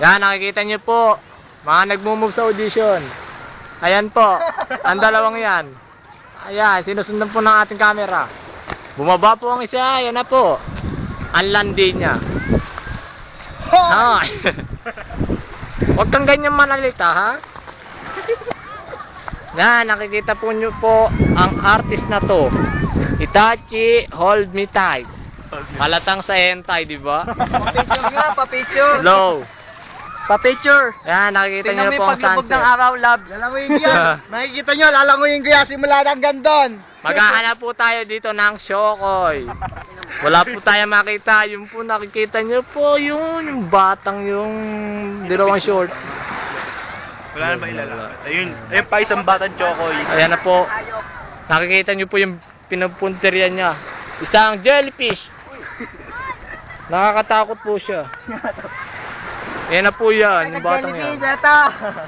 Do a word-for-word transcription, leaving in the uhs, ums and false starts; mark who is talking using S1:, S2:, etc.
S1: Yan, nakikita nyo po. Mga nagmumove sa audition. Ayan po. Ang dalawang yan. Ayan, sinusundan po ng ating camera. Bumaba po ang isa. Ayan na po. Ang landi niya. Ha? Huwag kang ganyan manalita, ha? Yan, nakikita po nyo po ang artist na to. Itachi, hold me tight. Halatang sa hentai, di ba?
S2: Pa-picture nga, pa-picture.
S1: Low.
S2: Pa-picture.
S1: Yan, nakikita nyo
S2: Tingnan mo
S1: na po
S2: yung
S1: ang
S2: paglubog
S1: sunset.
S2: ng araw, labs. Lalangoyin ko yan. Makikita nyo, lalangoyin ko yan simula hanggang doon.
S1: Maghahanap po tayo dito ng Shokoy. Wala po tayo makita. Yung po nakikita nyo po yung, yung batang yung dalawang short.
S3: Wala na ba ilalapit? Ayun, ayun pa isang batang chokoy.
S1: Ayan na po. Nakikita nyo po yung pinupunterian niya. Isang jellyfish. Nakakatakot po siya. Ayan na po yan, yung batang yan.
S2: Nag-jellyfish ito.